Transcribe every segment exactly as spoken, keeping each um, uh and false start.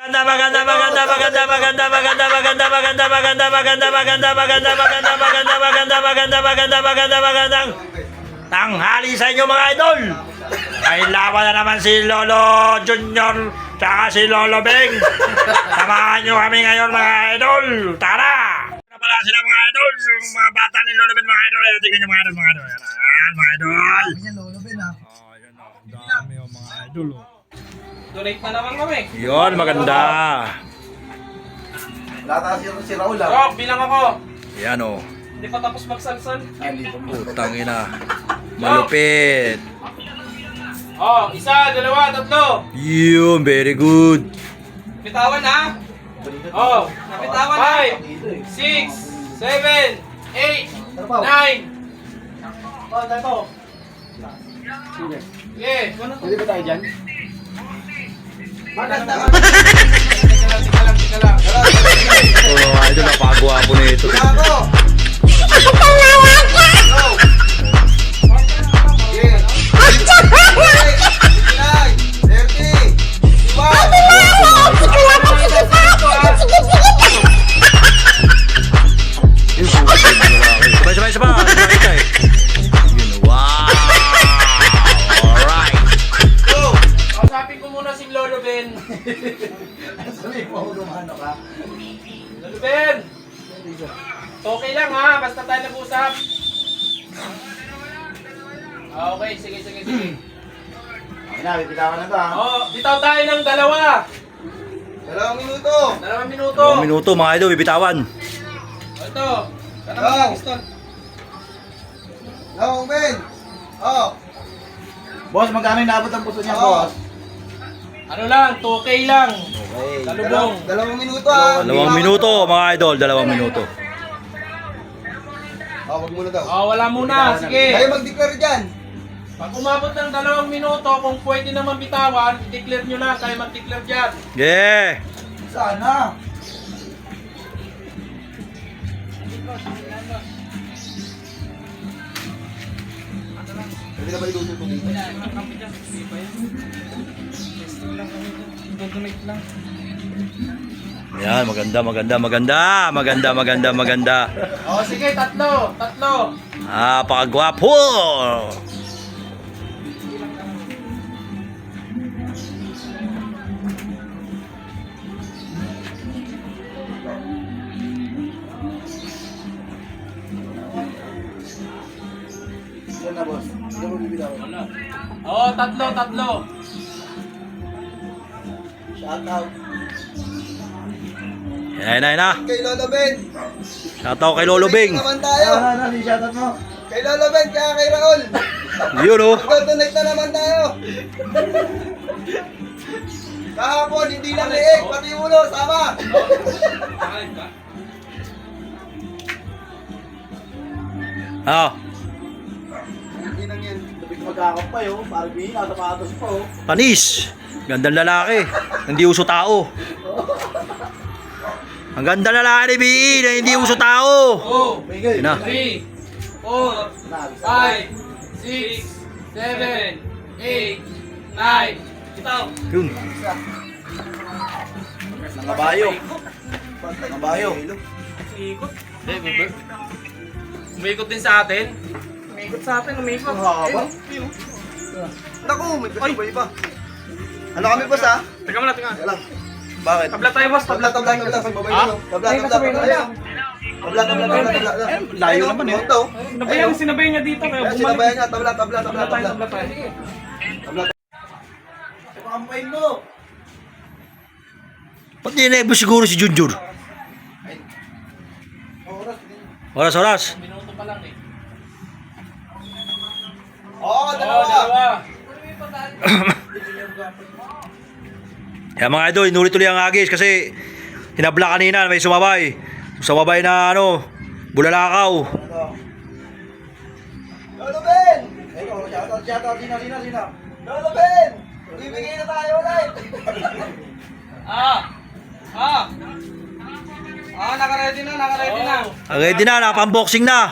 Maganda, maganda, maganda, maganda, maganda, maganda, maganda, maganda, maganda, maganda, maganda, maganda, maganda, maganda, maganda, maganda, maganda, maganda, magandang tanghali sa inyo mga idol. Ay laban na naman si Lolo Junior tsaka si Lolo Beng. Samahan nyo kami ngayon mga idol. Tara! Ano pala sila mga idol? Yung mga bata ni Lolo Beng mga idol. Tingnan nyo mga idol mga idol. Ayan mga idol. Lolo Ben ah. Oh, yun o. Dami o mga idol o. Donate na naman kami. Yun, maganda. Lata si, si Raul ah. Rock, bilang ako. Yan o. Hindi pa tapos magsalsal. Putang ina. Malupit. Oh, isa, dalawa, tatlo. Yun, very good. Bitawan ha. Oh, napitawan na. Five, six, seven, eight, nine. Oh, tayo po. Okay. Pwede ba tayo dyan? Maganda. Tika lang, tika lang, tika lang. Ito mga idol, napagwapo na ito. Ako! Sabay, sabay, sabay. Nakita eh. Yun, wow. Alright. Go! Kausapin ko muna si Lolo Ben. Sabi mo, gumano ka. Lolo Ben! Okay lang ha, basta tayo nag-usap. Ah, okay, sige, sige, sige. Okay na, bibitawan na to ah. Oh, bitaw tayo ng dalawa. Dalawang minuto. Dalawang minuto. Dalawang minuto mga idol, bibitawan. Oh, ito. Tanong Go. mo lang, pistol. Dalawang Ben. Oh. Boss, magkano inaabot ang puso niya, Oo. boss? Ano lang, two K lang. Okay. Talubong. Dalawang minuto ah. Dalawang minuto mga idol, dalawang minuto. Oh, wag muna daw. Oh, wala muna, sige. Kayo mag-declare dyan. Pag umabot ng dalawang minuto, kung pwede naman bitawan, i-declare nyo na, kayo mag-declare dyan. Yeah. Sana. Pwede na ba iluto ito dito? Donate lang. Yan, maganda, maganda, maganda, maganda, maganda, maganda. Oh, sige, tatlo, tatlo. Ah, pakagwapo. Yan na, boss. Hindi mo bibitawan. Oh, tatlo, tatlo. Shout out. Yan na, yan na. Kay Lolo Ben. Shoutout kay Lolo Beng. Donate naman tayo. Ano, ano, si shout out mo. Kay Lolo Ben, kaya kay Raul. Yun oh. Mag-donate na naman tayo. Kahapon, hindi lang liig, pati ulo, sama. Ah, Hindi lang yan. Labig magkakap pa yun. Barbie, nasa patos pa oh. panis. Gandang lalaki. Hindi uso tao. Ang ganda lalaki ni B E na hindi uso tao. two, Bigay. Yun na. three, four, five, six, seven, eight, nine. Bitaw. Yun. Nangabayo. Nangabayo. Umikot. Umikot din sa atin. Umikot sa atin, umikot. Ang haba. Naku, may kasabay pa. Ano kami boss ha? Teka muna, teka. Teka lang. Bakit? Tabla tayo, boss. Tabla, tabla, tabla. Pagbabay Ha? nyo. Tabla, tabla, tabla. Ayun. Tabla, tabla, tabla, tabla. Layo naman eh. Ito. Sinabayan, sinabayan niya dito. Kaya Kaya bumalik. sinabayan niya. Tabla, tabla, tabla, Tabla tayo, tabla. tabla tayo. Tabla. Ito kampain mo. Ba't dinebo siguro si Junjur? Oras. Oras, oras. Minuto pa lang eh. Oo, Oh, dalawa. dalawa. Kaya mga idol, inulit-ulit ang agis kasi hinabla kanina, may sumabay. Sumabay na ano, bulalakaw. Lolo Ben! Ito, shout out, shout out. Sino, sino, sino? Lolo Ben! Bibigay na tayo ulit! Ah! Ah! Ah, naka-ready na, naka-ready na. Ready na, nakapang-boxing na.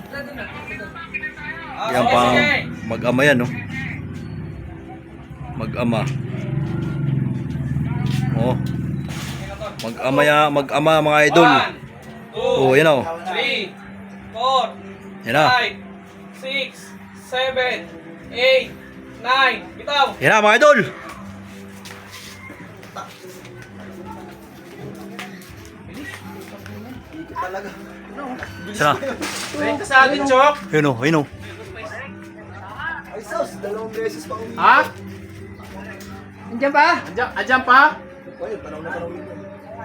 Yan sige, pang sige. mag-ama yan, no? Mag-ama. Oh, Mag-ama, ya- mag-ama mga idol. One, two, Oh, yan o. three, four, Yan na. five, six, seven, eight, nine. Bitaw. Yan na mga idol. Ikot talaga. Sana. Rin ka sa atin, Chok. Yun o, yun o. Ay, sus, dalawang beses pa umiikot. Ha? Andiyan pa? Andiyan, andiyan pa? Ay, panahon na panahon yun.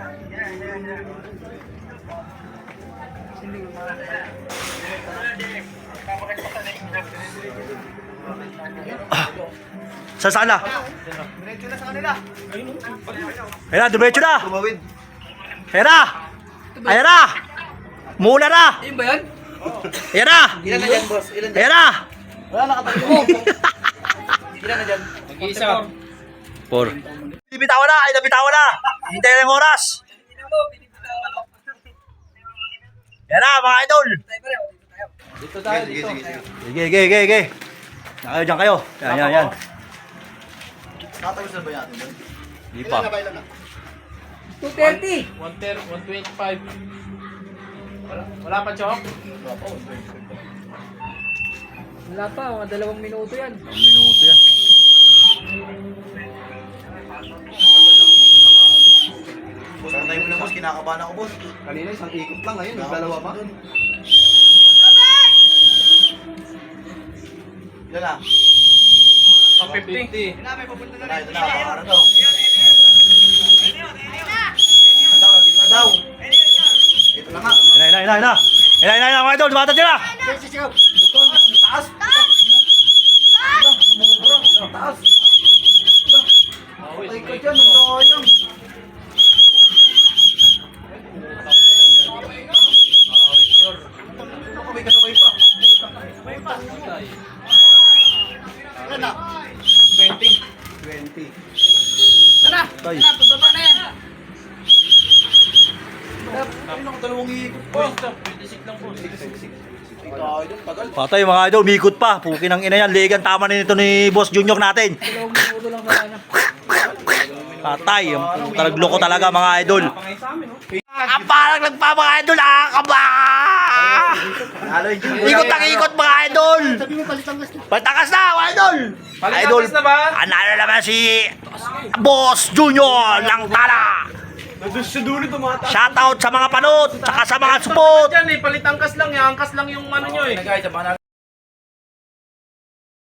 Sa saan na? Diretso na sa kanila. Ayan na, dumetso na. Tumawid. Ayan na. Ayan na. Muna na. Ayun ba yan? Ayan na. Ilan na dyan, boss? Ilan dyan? Ayan na. Wala nakatayo. Ilan na dyan? Mag-isa. Por. Bitawan na, ay nabitawan na. Hintay na yung oras. Yan na mga idol. Dito tayo, Sige, dito. sige, sige. Sige, sige, sige, sige. Nakayo dyan kayo. Yan, yan, yan. Nakatapos na ba yan? Hindi Ilan na pa. ba? Ilan na? two thirty. one thirty, one twenty-five. Wala, wala pa, Chok? Wala pa, one twenty. Wala pa, mga dalawang minuto yan. Ang minuto yan. Boss, antayin mo na, boss. Kinakabahan ako, boss. Kanina isang ikot lang, ngayon nagdalawa pa. Ilan na? one fifty. Ito na, ito na, pangarap daw. Ito daw, dito na daw. Ito na nga. Yan na, yan na, yan na. Yan na, yan na, mga idol. Dumatag sila. Taas! Taas! Patay ka dyan, ang sayang. Ano ka, may kasabay pa? Ilan na? twenty. twenty. Tara! Tay. Tara, pababa na yan! Ay, nakadalawang ikot pa. Oh, stop. twenty-six lang po. Tayo dyan, tagal. Patay mga idol, mikot pa. Pukin ang ina yan. Ligan tama na nito ni Boss Junior natin. Dalawang minuto lang na na. Patay. Ang talagloko ko talaga mga idol. Pangay sa amin, oh. Ang parang nagpa mga idol. Ah, kaba! Halo yung Jimbo. Ikot ang ikot mga idol. Patakas na mga idol. Palitangas na ba? Analo naman si Boss Junior ng Tala. Sa dulo tumataas. Shoutout sa mga panot, saka sa mga support. Diyan eh, palitangkas lang. Yung angkas lang yung ano nyo eh.